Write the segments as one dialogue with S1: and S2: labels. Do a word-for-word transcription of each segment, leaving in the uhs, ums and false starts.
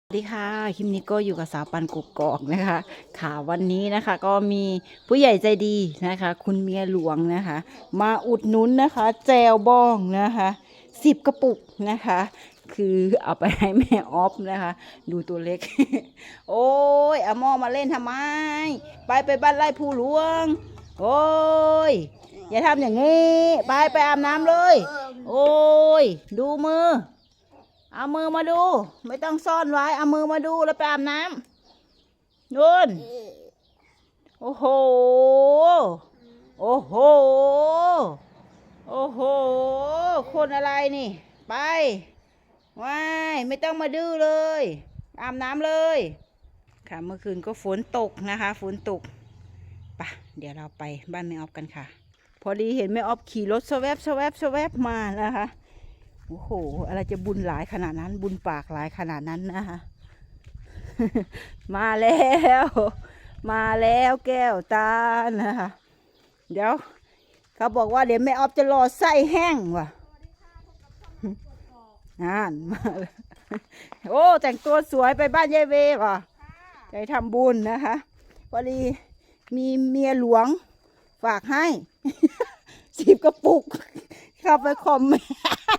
S1: สวัสดีค่ะคลิปนี้ก็อยู่กับสาวปันกกอกนะคะค่ะวันนี้นะคะก็มีผู้ใหญ่ใจดีนะคะคุณเมียหลวงนะคะมาอุดหนุนนะคะแจวบองนะคะสิบกระปุกนะคะคือเอาไปให้แม่ออฟนะคะดูตัวเล็ก โอ้ยเอาหม้อมาเล่นทำไมไปไปบ้านไร่ภูหลวงโอ้ยอย่าทำอย่างนี้ไปไปอาบน้ำเลยโอ้ยดูมือ เอามือมาดูไม่ต้องซ่อนไว้เอามือมาดูแล้วไปอาบน้ำนู่นโอ้โหโอ้โหโอ้โหคนอะไรนี่ไปว้ายไม่ต้องมาดื้อเลยอาบน้ำเลยค่ะเมื่อคืนก็ฝนตกนะคะฝนตกปะเดี๋ยวเราไปบ้านแม่ออฟกันค่ะพอดีเห็นแม่ออฟขี่รถสแวบสแวบสแวบมานะคะโอ้โหอะไรจะบุญหลายขนาดนั้นบุญปากหลายขนาดนั้นนะคะ มาแล้วมาแล้วแก้วตานะคะเดี๋ยวเขาบอกว่าเดี๋ยวแม่ออฟจะรอไส้แห้งว่ะอ่านมาเลยโอ้แต่งตัวสวยไปบ้านยายเวว่ะใจทำบุญนะคะพอดีมีเมียหลวงฝากให้ สิบกระปุกเข้าไปคอมเมนต์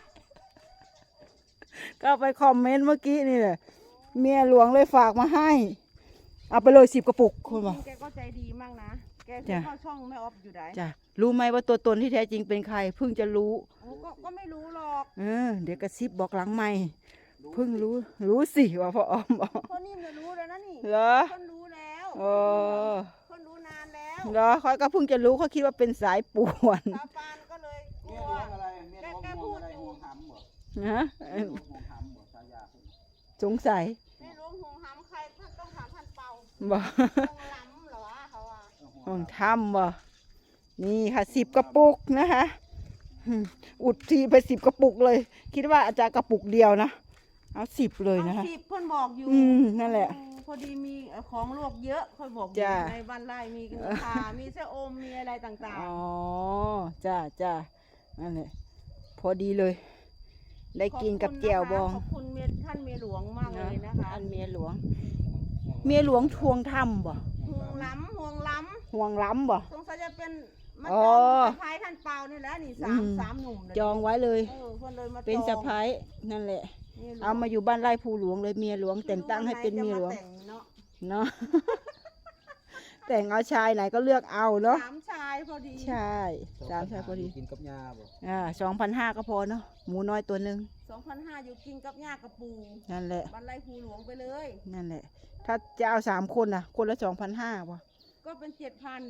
S1: ก็ไปคอมเมนต์เมื่อกี้นี่แหละเมียหลวงเลยฝากมาให้เอาไปเลยสิบกระปุกคุณบอก
S2: แกก็ใจดีมากนะแกที่เข้าช่องแม่ออฟอยู่ไหน
S1: จ้ะรู้ไหมว่าตัวตนที่แท้จริงเป็นใครเพิ่งจะรู้
S2: ก็ก็ไม่รู้หรอก
S1: เออเดี๋ยวกระซิบบอกหลังไม่เพิ่งรู้รู้สิว่าพ่อออมบอก
S2: คนนี้มันรู้แล้วนะนี่
S1: เหรอ
S2: คนรู้แล้ว
S1: เออ
S2: คนรู้นานแล้ว
S1: เหรอเขาก็เพิ่งจะรู้เขาคิดว่าเป็นสายป่วน
S2: ตาปานก็เลยกลัวแกแกพูดอยู่
S1: นะสงสัย
S2: ไม่รู้ห่วงหำใครท่านต้องถามท่านเปา
S1: บอก
S2: ห่วงล้ำเหรอเขาอ่ะ
S1: ห่วงทำบ่นี่ค่ะสิบกระปุกนะคะอุดทีไปสิบกระปุกเลยคิดว่าอาจารย์กระปุกเดียวนะเอาสิบเลยนะคะ
S2: สิบเพื่อนบอกอยู่
S1: อืมนั่นแหละ
S2: พอดีมีของลวกเยอะค่อยบอกอยู่ในบ้านไร่มีขามีเส้อมมีอะไรต่างๆ
S1: อ๋อจ้าจ้านั่นแหละพอดีเลยได้กินกับแจ่วบอง
S2: ขอบคุณเมียท่านเมียหลวงมากเลยนะคะ
S1: อันเมียหลวงเมียหลวงทวงถ้ำบ่
S2: ห่วงล้ำห่วงล้
S1: ำห่วงล้ำบ่
S2: สงสัยจะเป็นมาจองสะพายท่านเปานี่แหละนี่สามสามหนุ่ม
S1: จองไว้เลย
S2: เป็
S1: นสะพายนั่นแหละเอามาอยู่บ้านไร่ภูหลวงเลยเมียหลวงแต่งตั้งให้เป็นเมียหลวงเนาะแต่งเอาชายไหนก็เลือกเอาเนาะ
S2: สามชายพอดี
S1: ใช่สามชายพอดี
S3: กินกับยาบ่
S1: อ่าสองพันห้าก็พอเนาะหมูน้อยตัวหนึ่ง
S2: สองพันห้าอยู่กินกับหญ้ากับปู
S1: นั่นแหละ
S2: บ้านไร่ภูหลวงไปเลย
S1: นั่นแหละถ้าจะเอาสามคนน่ะคนละสองพันห้าป่ะ
S2: ก็เป็นเจ็ดพัน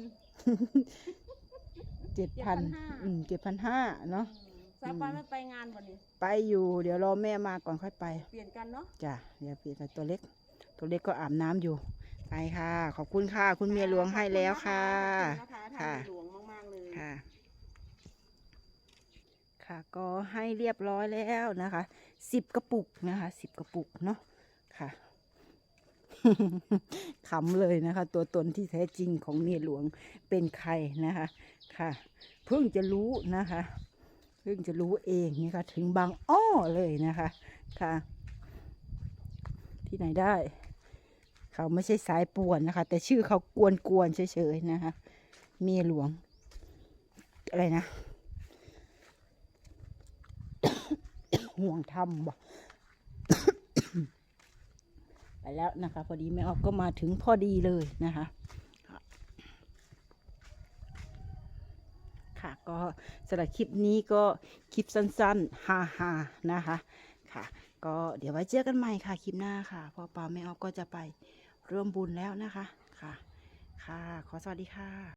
S1: เจ็ดพันอืมเจ็ดพันห้าเนาะ
S2: สาปานไม่ไปงานวันนี้
S1: ไปอยู่เดี๋ยวรอแม่มาก่อนค่อยไป
S2: เปลี่ยนกันเนาะ
S1: จ้ะเดี๋ยวเปลี่ยนตัวเล็กตัวเล็กก็อาบน้ำอยู่ไปค่ะขอบคุณค่ะคุณเมียหลวงให้แล้วค่ะ
S2: ค่ะหลวงมากๆเลย
S1: ค่ะค่ะก็ให้เรียบร้อยแล้วนะคะสิบกระปุกนะคะสิบกระปุกเนาะค่ะ ขำเลยนะคะตัวตนที่แท้จริงของเมียหลวงเป็นใครนะคะค่ะเพิ่งจะรู้นะคะเพิ่งจะรู้เองนี่ค่ะถึงบางอ้อเลยนะคะค่ะที่ไหนได้เขาไม่ใช่สายป่วนนะคะแต่ชื่อเขากวนกวนเฉยๆนะคะเมียหลวงอะไรนะ ห่วงทำบ่ ไปแล้วนะคะพอดีแม่ออฟก็มาถึงพอดีเลยนะคะค่ะก็สำหรับคลิปนี้ก็คลิปสั้นๆฮาๆนะคะค่ะก็เดี๋ยวไว้เจอกันใหม่ค่ะคลิปหน้าค่ะพ่อปาแม่ออฟก็จะไปร่วมบุญแล้วนะคะค่ะค่ะขอสวัสดีค่ะ